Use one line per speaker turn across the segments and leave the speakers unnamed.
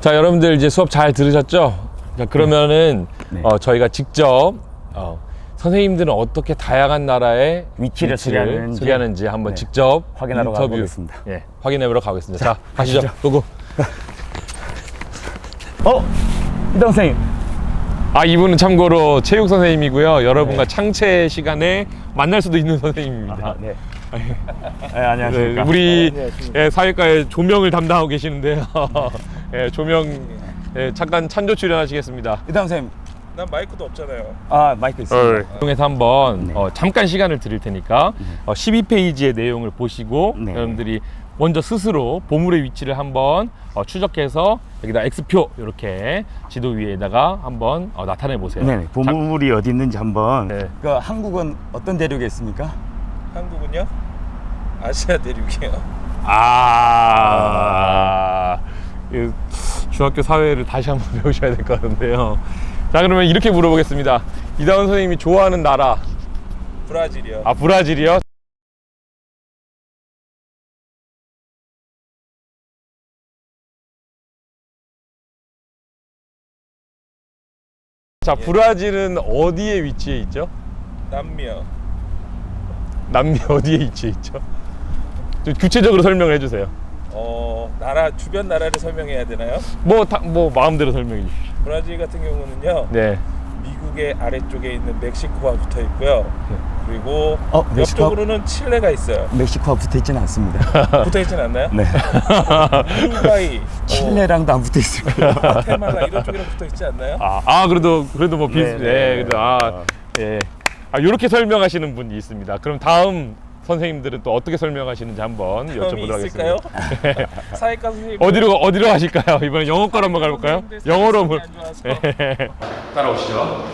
자, 여러분들 이제 수업 잘 들으셨죠? 자, 그러면은
네.
저희가 직접 선생님들은 어떻게 다양한 나라의
위치를
소개하는지 한번
네.
직접
확인하러
인터뷰
가보겠습니다.
예, 확인해보러 가겠습니다. 자, 가시죠. 고고.
이동 선생님.
이분은 참고로 체육 선생님이고요. 여러분과 창체 시간에 만날 수도 있는 선생님입니다.
네. 네, 안녕하십니까.
네, 우리 사회과의 조명을 담당하고 계시는데요. 조명 잠깐 찬조 출연하시겠습니다.
이동 선생님.
난 마이크도 없잖아요.
마이크 있습니다.
통해서 한번
네.
잠깐 시간을 드릴 테니까 12페이지의 내용을 보시고
네.
여러분들이 먼저 스스로 보물의 위치를 한번 추적해서 여기다 X표 이렇게 지도 위에다가 한번 나타내 보세요.
네, 보물이 어디 있는지 한번.
네.
그 한국은 어떤 대륙에 있습니까?
한국은요? 아시아 대륙이에요.
이 중학교 사회를 다시 한번 배우셔야 될 것 같은데요. 자, 그러면 이렇게 물어보겠습니다. 이다운 선생님이 좋아하는 나라.
브라질이요.
브라질이요? 자, 브라질은 어디에 위치해 있죠?
남미요.
남미 어디에 위치해 있죠? 좀 구체적으로 설명을 해주세요.
나라 주변 나라를 설명해야 되나요?
뭐 마음대로 설명해 주십시오.
브라질 같은 경우는요.
네.
미국의 아래쪽에 있는 멕시코와 붙어 있고요. 그리고
멕시코?
옆쪽으로는 칠레가 있어요.
멕시코와 붙어 있지는 않습니다.
붙어 있진 않나요?
네.
우루과이,
칠레랑도 안 붙어 있습니다.
과테말라 이런 쪽이랑 붙어 있지 않나요?
그래도 뭐 비슷.
네.
이렇게 설명하시는 분이 있습니다. 그럼 다음 선생님들은 또 어떻게 설명하시는지 한번
경험이
여쭤보도록
있을까요?
하겠습니다.
사회과 선생님
어디로 가실까요? 이번에 영어과로 한번 가볼까요? 영어로 한번. 따라오시죠.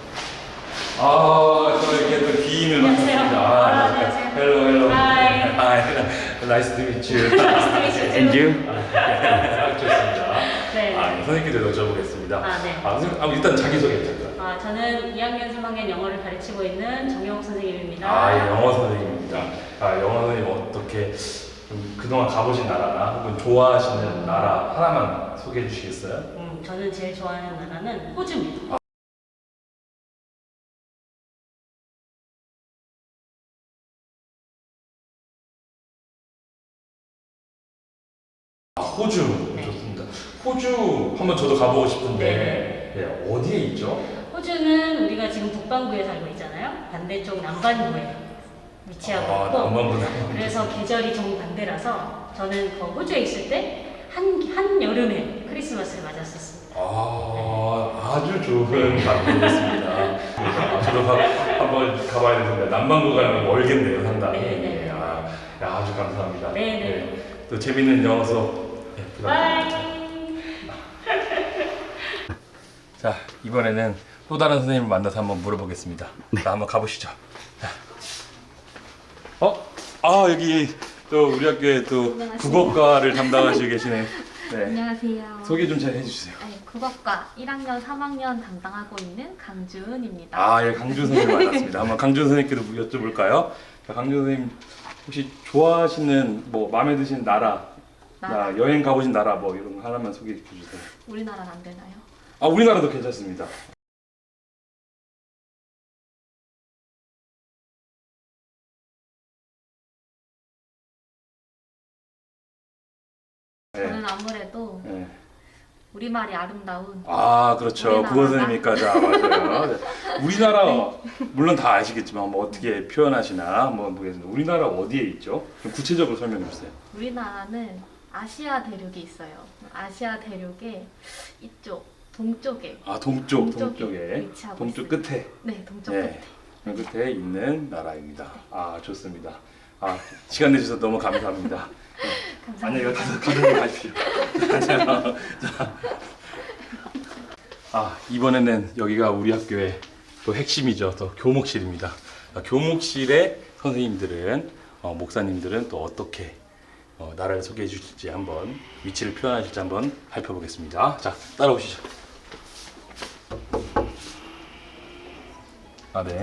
또 이렇게 또 기인을 맡았습니다.
안녕하세요.
헬로.
Hi.
나이스 투 미츠.
And you?
좋습니다.
네.
선생님께도 여쭤보겠습니다.
네.
선생님, 일단 자기소개 부탁드립니다.
저는 2학년, 3학년 영어를 가르치고 있는 정영욱 선생님입니다.
영어 선생님입니다. 영어 선생님 어떻게 좀 그동안 가보신 나라나 혹은 좋아하시는 나라 하나만 소개해 주시겠어요?
저는 제일 좋아하는 나라는 호주입니다.
호주
네.
좋습니다. 호주 한번 저도 가보고 싶은데 어디에 있죠?
호주는 우리가 지금 북반구에 살고 있잖아요. 반대쪽 남반구에 위치하고 있고
남반구.
그래서 계절이 정반대라서 저는 그 호주에 있을 때 한 여름에 크리스마스를 맞았었습니다.
아주 좋은 방법이었습니다. 저도 한번 가봐야 되는데 남반구 가면 멀겠네요, 상당히.
네.
아주 감사합니다.
네.
또 재밌는 영어 수업.
바이.
자, 이번에는 또 다른 선생님을 만나서 한번 물어보겠습니다. 자, 한번 가보시죠. 여기 또 우리 학교에 또
안녕하세요.
국어과를 담당하시고 계시네. 네.
안녕하세요.
소개 좀 잘 해주세요.
네, 국어과 1학년, 3학년 담당하고 있는 강주은입니다.
강준 선생님 만났습니다. 한번 강준 선생님께도 여쭤볼까요? 자, 강준 선생님 혹시 좋아하시는 마음에 드시는 나라, 여행 가보신 나라 이런 거 하나만 소개해 주세요.
우리나라는 안 되나요?
우리나라도 괜찮습니다.
저는 아무래도
네.
우리말이 아름다운
그렇죠.
우리나라가?
국어 선생님까지 맞아요. 네. 우리나라 물론 다 아시겠지만 어떻게 표현하시나 모르겠는데 우리나라 어디에 있죠? 좀 구체적으로 설명해 주세요.
우리나라는 아시아 대륙이 있어요. 아시아 대륙의 이쪽 동쪽에
동쪽에
위치하고
동쪽
있습니다.
끝에
네, 동쪽
네.
끝에.
끝에 있는 나라입니다. 좋습니다. 시간 내주셔서 너무 감사합니다. 안녕히 가십시오. 이번에는 여기가 우리 학교의 또 핵심이죠. 또 교목실입니다. 교목실의 선생님들은 목사님들은 또 어떻게 나라를 소개해 주실지 한번 위치를 표현하실지 한번 살펴보겠습니다. 자, 따라오시죠. 네.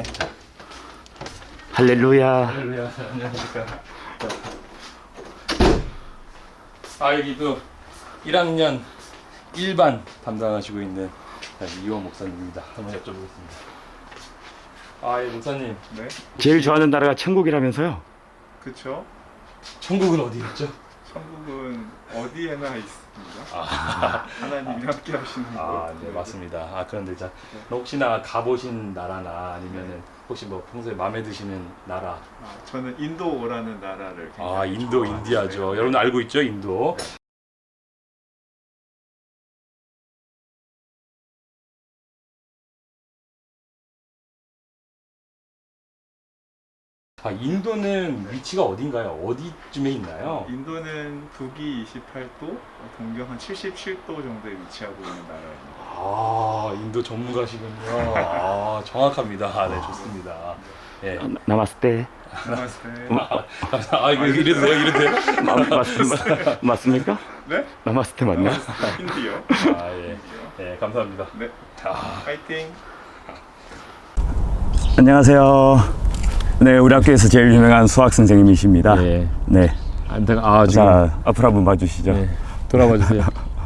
할렐루야.
할렐루야. 안녕하십니까. 여기 또 1학년 일반 담당하시고 있는 이호 목사님입니다. 한번 여쭤보겠습니다. 아, 예, 목사님.
네,
제일 좋아하는 나라가 천국이라면서요?
그쵸.
천국은 어디였죠?
천국은 어디에나 있습니다.
아,
하나님이 함께 하시는 곳.
네, 맞습니다. 아, 그런데 자, 혹시나 가보신 나라나 아니면은 혹시 뭐 평소에 마음에 드시는 나라?
저는 인도라는 나라를 굉장히
아, 인도,
좋아하는데
인디아죠. 여러분 알고 있죠, 인도? 아, 인도는 위치가 어딘가요? 어디쯤에 있나요?
인도는 북위 28도, 동경 한 77도 정도에 위치하고 있는 나라입니다.
아, 인도 전문가시군요. 아, 정확합니다. 아, 네, 좋습니다. 예.
나마스테.
나마스테.
아, 이거 이래도 돼요? 이래도 돼요?
맞습니까?
네?
나마스테 맞나?
힌디요.
아, 예. 예, 감사합니다.
네.
아,
파이팅.
안녕하세요. 네, 우리 학교에서 제일 유명한 수학 선생님이십니다.
예.
네.
지금
자, 앞으로 한번 봐주시죠.
네. 돌아봐 주세요.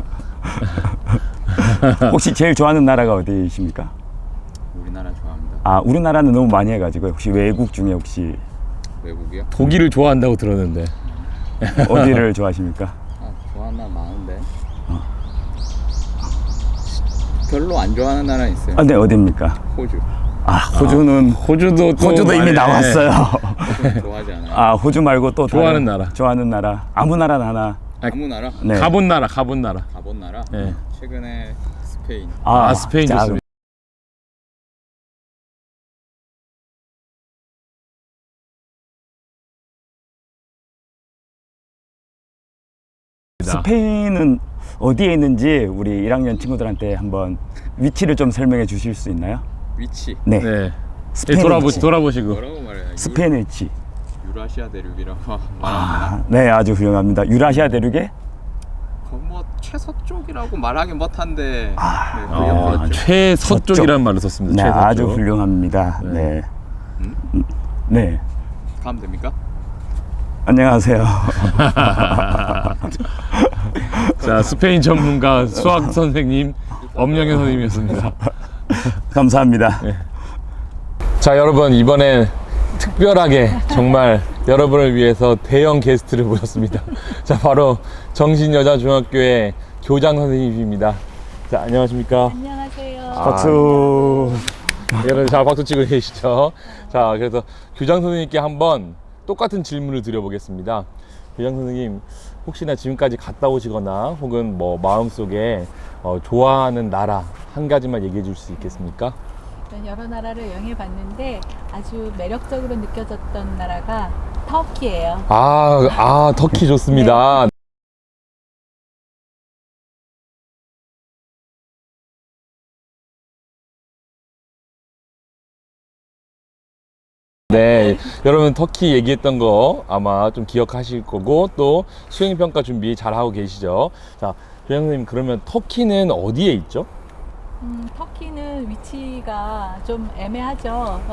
혹시 제일 좋아하는 나라가 어디십니까?
우리나라 좋아합니다.
아, 우리나라는 너무 많이 해가지고 혹시 외국 중에 혹시
외국이요?
독일을 좋아한다고 들었는데.
어디를 좋아하십니까?
좋아하는 나라 많은데 별로 안 좋아하는 나라 있어요.
아, 네, 어디입니까?
호주.
아, 호주는
호주도
이미 나왔어요.
호주 좋아하지 않아요.
아, 호주 말고 또
좋아하는
다른-
나라.
좋아하는 나라 아무 나라나 하나.
아무 나라?
네.
가본 나라.
가본 나라?
예.
최근에 스페인.
아, 스페인
자,
좋습니다.
스페인은 어디에 있는지 우리 1학년 친구들한테 한번 위치를 좀 설명해 주실 수 있나요?
위치.
네.
네.
스페인 위치.
돌아보시고.
뭐라고 말해요?
스페인 위치.
유라시아 대륙이라고 말합니다.
아, 네, 아주 훌륭합니다. 유라시아 대륙에
뭐 최서쪽이라고 말하긴 못한데 네, 그
아,
옆에 있죠.
최서쪽이라는 말을 썼습니다.
네,
최서쪽.
아주 훌륭합니다. 네. 네.
가면 됩니까?
안녕하세요.
자, 스페인 전문가 수학 선생님 엄영현 선생님이었습니다.
감사합니다.
자, 여러분, 이번엔 특별하게 정말 여러분을 위해서 대형 게스트를 모셨습니다. 자, 바로 정신여자중학교의 교장 선생님입니다. 자, 안녕하십니까?
안녕하세요.
박수.
여러분, 자, 박수 치고 계시죠? 자, 그래서 교장 선생님께 한번 똑같은 질문을 드려보겠습니다. 교장 선생님, 혹시나 지금까지 갔다 오시거나 혹은 뭐 마음속에 좋아하는 나라 한 가지만 얘기해 줄 수 있겠습니까?
저는 여러 나라를 여행해 봤는데 아주 매력적으로 느껴졌던 나라가 터키예요.
터키 좋습니다. 네, 여러분 터키 얘기했던 거 아마 좀 기억하실 거고 또 수행평가 준비 잘 하고 계시죠? 자, 교장 선생님, 그러면 터키는 어디에 있죠?
터키는 위치가 좀 애매하죠.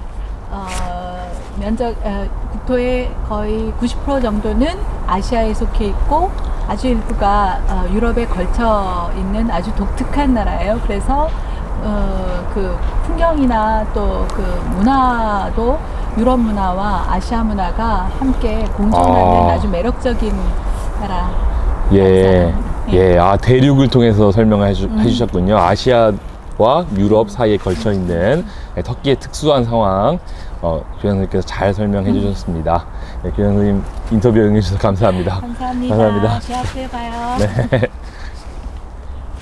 국토의 거의 90% 정도는 아시아에 속해 있고 아주 일부가 유럽에 걸쳐 있는 아주 독특한 나라예요. 그래서 그 풍경이나 또 그 문화도 유럽 문화와 아시아 문화가 함께 공존하는 아주 매력적인 나라.
예, 대륙을 통해서 설명을 해주셨군요. 아시아와 유럽 사이에 걸쳐 있는 터키의 특수한 상황, 교장 선생님께서 잘 설명해 주셨습니다. 네, 교장 선생님 인터뷰 응해주셔서 감사합니다.
감사합니다.
감사합니다.
제 앞에 봐요.
네.